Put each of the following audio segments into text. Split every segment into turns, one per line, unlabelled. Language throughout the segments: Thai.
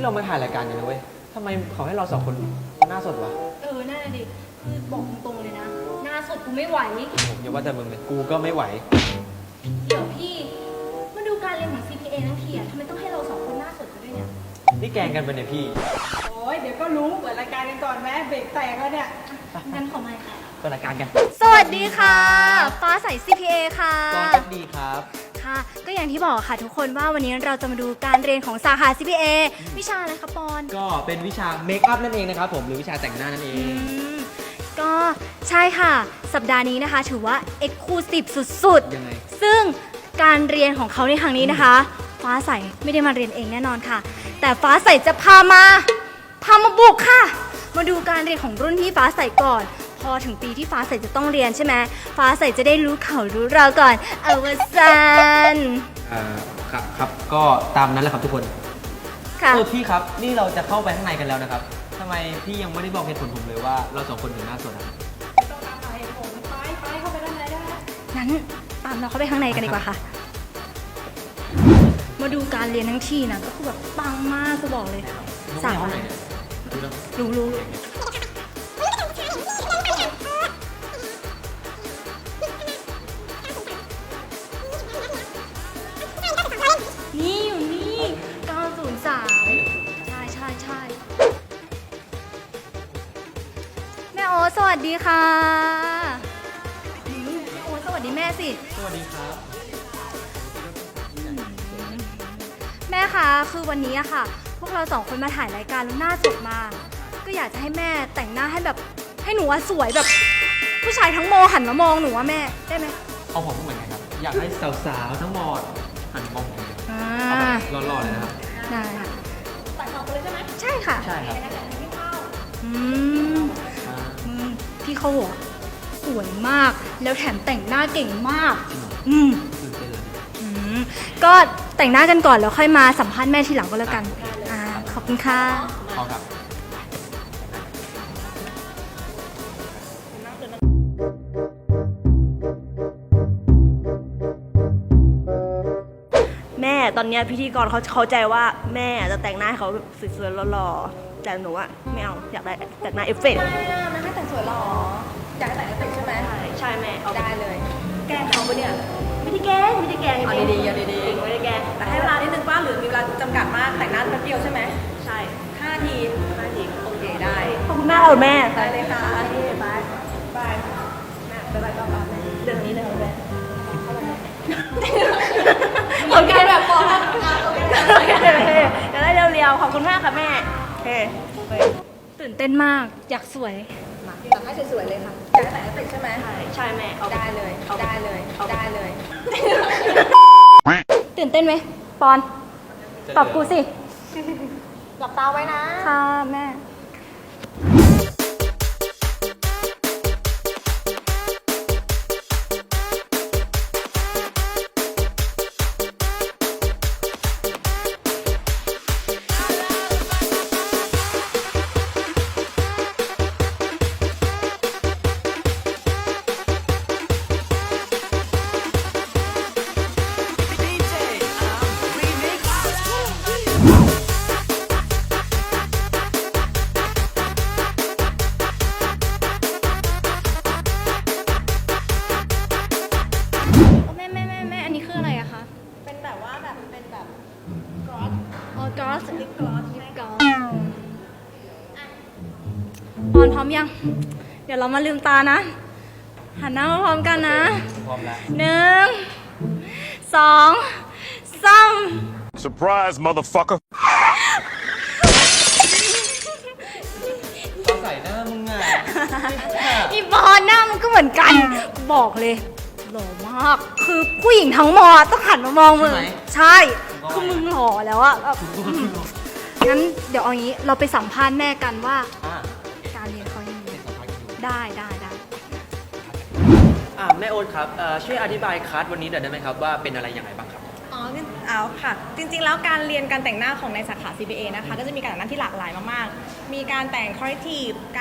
เรามาถ่ายรายการอยู่นะเว้ยทำไมเขาให้เราสองคนหน้าสดวะ
นั่นแหละดิคือบอกตรงๆเลยนะหน้าสดกูไม่ไหว
ผมอย่าว่าแต่มึงเลยกูก็ไม่ไหว
เดี๋ยวพี่มาดูการเรียนของ CPA ทั้งทีอะทำไมต้องให้เราสองคนหน้าสดกันด้วยเนี่ย
นี่แกงกันไปเนี่ยพี่
โอ้ยเดี๋ยวก็รู้เปิดรายการกันก่อนแม่เบรกแตกแล้วเนี่ย
งั้นขอมาค่ะ
เปิดรายการกัน
สวัสดีค่ะฟ้าใส CPA ค่ะ
ตอนกันดีครับ
ค่ะก็อย่างที่บอกค่ะทุกคนว่าวันนี้เราจะมาดูการเรียนของสาขา CPA วิชาอะไรคะปอน
ก็เป็นวิชาเมคอัพนั่นเองนะครับผมหรือวิชาแต่งหน้านั่นเอง
ก็ใช่ค่ะสัปดาห์นี้นะคะถือว่า Exclusive สุดๆ
ยังไง
ซึ่งการเรียนของเขาในครั้งนี้นะคะฟ้าใสไม่ได้มาเรียนเองแน่นอนค่ะแต่ฟ้าใสจะพามาบุกค่ะมาดูการเรียนของรุ่นพี่ฟ้าใสก่อนพอถึงปีที่ฟ้าใสจะต้องเรียนใช่ไหมฟ้าใสจะได้รู้เขารู้เราก่อนอวสาน
ครับก็ตามนั้นแหละครับทุกคน
ค่ะ
พี่ครับนี่เราจะเข้าไปข้างในกันแล้วนะครับทำไมพี่ยังไม่ได้บอกเหตุผลผมเลยว่าเราสองคนถึงหน้าสดครับ
ไม่ต้องตามเหตุผลไปเข้าไปด้านในได้
งั้นตามเราเข้าไปข้างในกันดีกว่าค่ะมาดูการเรียนทั้งที่นะก็คือแบบปังมากจะบอกเลย
สาม
รู้นี่อยู่นี่903ใช่แม่โอ๊ตสวัสดีค่ะแม่โอ๊ตสวัสดีแม่สิ
สวัสดีครับ
แม่คะคือวันนี้อะค่ะพวกเราสองคนมาถ่ายรายการแล้วหน้าสดมาก็อยากจะให้แม่แต่งหน้าให้แบบให้หนูว่าสวยแบบผู้ชายทั้งโมหันมามองหนูว่าแม่ได้ไหม
เอาผมก็เหมือนกันครับอยากให้สาวๆทั้งหมดหันมองผมเลยหล่อๆเลยนะครับ
ได้ค่ะ
ตัดออกเลยใช่ไหม
ใช่ค่ะ
ใช่ครับ
พี่เขาหัวสวยมากแล้วแถมแต่งหน้าเก่งมากก็แต่งหน้ากันก่อนแล้วค่อยมาสัมภาษณ์แม่ทีหลังก็แล้วกันขอบคุณค่ะ
ขอบครับ
แม่ตอนนี้พิธีกรเขาเข้าใจว่าแม่จะแต่งหน้าให้เขาแบบสวยๆหล่อๆแต่หนูอะไม่เอาอยากได้แต่งหน้าเอฟเฟกต์
ไม่ให้แต่งสวยหรออยากให้แต่งเอฟเฟกต์ใช่ไหม
ใช่แม่เอา
ได้เลย
แกล้งเขาปะเนี่ยไม่ได้แกล้ง
เอาดีๆ
ไม่ได้แกล้ง
แต่ให้เวลานิดนึงป้าหรือมีเวลาจำกัดมากแต่งหน้าแป๊บเดียวใช่ไหม
ใช่
5 นาทีโอเคได้
ขอบคุณมากเลยแม่
ได้เลยค่ะบายแม่บ๊ายบายก็บาย
เรื่องนี้เลยแม่
โอเคแบบพอแล้ว
จะได้เร็วๆขอบคุณมากค่ะแม่
ตื่นเต้นมากอยากสวย
อยากให้สวยๆเลยค่ะอยากให้แต่งเอฟเฟกต์ใช่ไหม
ใช่แม่
ได้เลย
ตื่นเต้นไหมปอนตอบกูสิ
หลับตาไว้นะ
ค่ะแม่ลิปกลอสปอนพร้อมยังเดี๋ยวเรามาลืมตานะหันหน้ามาพร้อมกันนะ
พร้อมแล้ว
1 2 3
Surprise motherfucker
เขาใส่หน้ามึงอ่ะ
อีปอนหน้ามันก็เหมือนกันบอกเลยหล่อมากคือผู้หญิงทั้งมอต้องหันมามองมึงใช่คือมึงหล่อแล้วอะงั้นเดี๋ยวเอางี้เราไปสัมภาษณ์แม่กันว่าการเรียนเขายังไงได้
แม่โอ๊ตครับช่วยอธิบายคลาสวันนี้หน่อยได้ไหมครับว่าเป็นอะไรยังไงบ้างครับ
เอาค่ะจริงๆแล้วการเรียนการแต่งหน้าของในสาขา CPA นะคะก็จะมีการแต่งหน้าที่หลากหลายมากๆมีการแต่ง corrective การ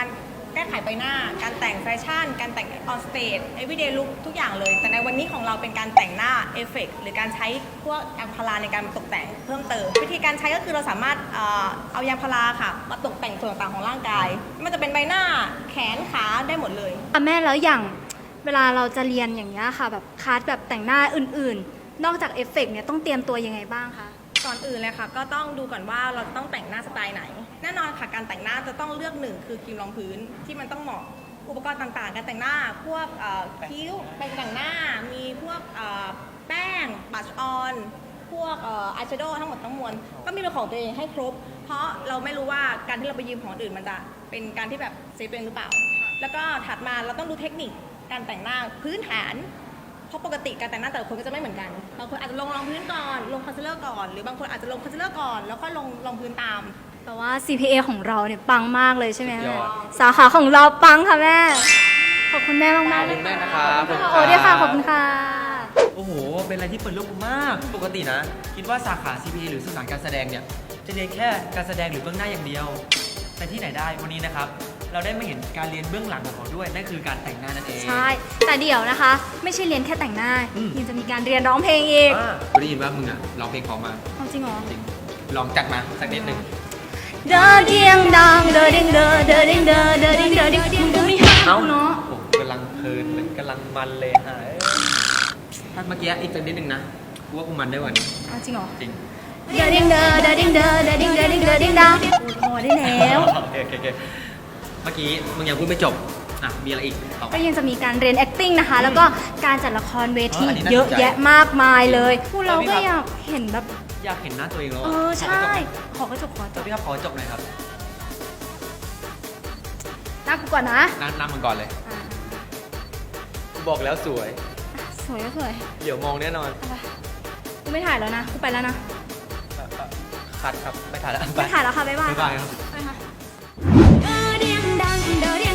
แก้ไขใบหน้า การแต่งแฟชั่น การแต่งออนสเตจ everyday look ทุกอย่างเลย แต่ในวันนี้ของเราเป็นการแต่งหน้าเอฟเฟกต์หรือการใช้พวกยางพาราในการตกแต่งเพิ่มเติม วิธีการใช้ก็คือเราสามารถเอายางพาราค่ะ มาตกแต่งส่วนต่างๆของร่างกายไมันจะเป็นใบหน้าแขนขาได้หมดเลย
แม่แล้วอย่างเวลาเราจะเรียนอย่างนี้ยค่ะแบบคลาสแบบแต่งหน้าอื่นๆ นอกจากเอฟเฟกต์เนี่ยต้องเตรียมตัวยังไงบ้างคะ
ก่อนอื่นเลยค่ะก็ต้องดูก่อนว่าเราต้องแต่งหน้าสไตล์ไหน แน่นอนค่ะการแต่งหน้าจะต้องเลือกหนึ่งคือครีมรองพื้นที่มันต้องเหมาะอุปกรณ์ต่างๆ การแต่งหน้าพวกคิ้วแปรงแต่งหน้ามีพวกแป้งบัชออนพวกอายแชโดว์ทั้งหมดทั้งมวลก็มีเป็นของตัวเองให้ครบ เพราะเราไม่รู้ว่าการที่เราไปยืมของคนอื่นมันจะเป็นการที่แบบเซฟตัวเองหรือเปล่า แล้วก็ถัดมาเราต้องดูเทคนิคการแต่งหน้าพื้นฐาน เพราะปกติการแต่งหน้าแต่ละคนก็จะไม่เหมือนกัน บางคนอาจจะลงรองพื้นก่อน ลงคอนซีลเลอร์ก่อน หรือบางคนอาจจะลงคอนซีลเลอร์ก่อน แล้วก็ลงรองพื้นตาม
แต่ว่า CPA ของเราเนี่ยปังมากเลยใช่ไหม
ย
แม่
อด
สาขาของเราปังค่ะแม่ ขอบคุณแม่มากๆ
ขอบคุณแม่นะครับ
โอ้ด้วยค่ะขอบคุณค่ะ
โอ้โห เป็นอะไรที่เปิดโลกมาก ปกตินะ คิดว่าสาขา CPA หรือสื่อสารการแสดงเนี่ย จะเรียนแค่การแสดงหรือเบื้องหน้าอย่างเดียว แต่ที่ไหนได้วันนี้นะครับ เราได้มาเห็นการเรียนเบื้องหลังของเขาด้วย นั่นคือการแต่งหน้านั่นเอง
ใช่ แต่เดี๋ยวนะคะ ไม่ใช่เรียนแค่แต่งหน้า
อืม
ยังจะมีการเรียนร้องเพลงอีก
กูได้ยินว่ามึงอะร้องเพลงเพอมา
เอาจริงเหรอ
จริง ลองจัดมาสักนิดหนึ่ง
เดอเดียงดังเดอเด้งเดอเดอเด้งเดอเดอเด้งเดอเด้งมึงดูดิ
เอ้า
เนาะ
ผมกำลังเพลินเลยกำลังมันเลยฮะถ้าเมื่อกี้อีกสักนิดหนึ่งนะกูว่ากูมันได้กว่านี้
เอาจริงเหรอ
จริง
เดอเด้งเดอเดอเด้งเดอเดอเด้งเดอเด้งเดอเด้งดังพอได้แล้ว
โอเคเมื่อกี้มึงยังพูดไม่จบ อ่ะ มีอะไรอีกต่อ
ก็ยังจะมีการเรียน acting นะคะ แล้วก็การจัดละครเวที
อันนี้น่าสนใจ
เยอะแยะมากมายเลยพวกเราก็อยากเห็นแบบ
อยากเห็นหน้าตัวเองแล้ว
ใช่ ขอกระจกขอจ
จบบ พี่ครับขอจบหน่อยครับ
หน้ากูก่อนนะ
นั่งมันก่อนเลย
อ่ะ
บอกแล้วสวย
สวยก็สวย
เดี๋ยวมองแน่นอน
เอาไปกูไม่ถ่ายแล้วนะ กูไปแล้วนะ
คัดครับ ไม่ถ่ายแล้ว
ไม่ถ่ายแล้วค่ะ บ๊ายบาย
บ๊ายบายครับ
ไปค่ะเดอเดียงดังเดอเดีย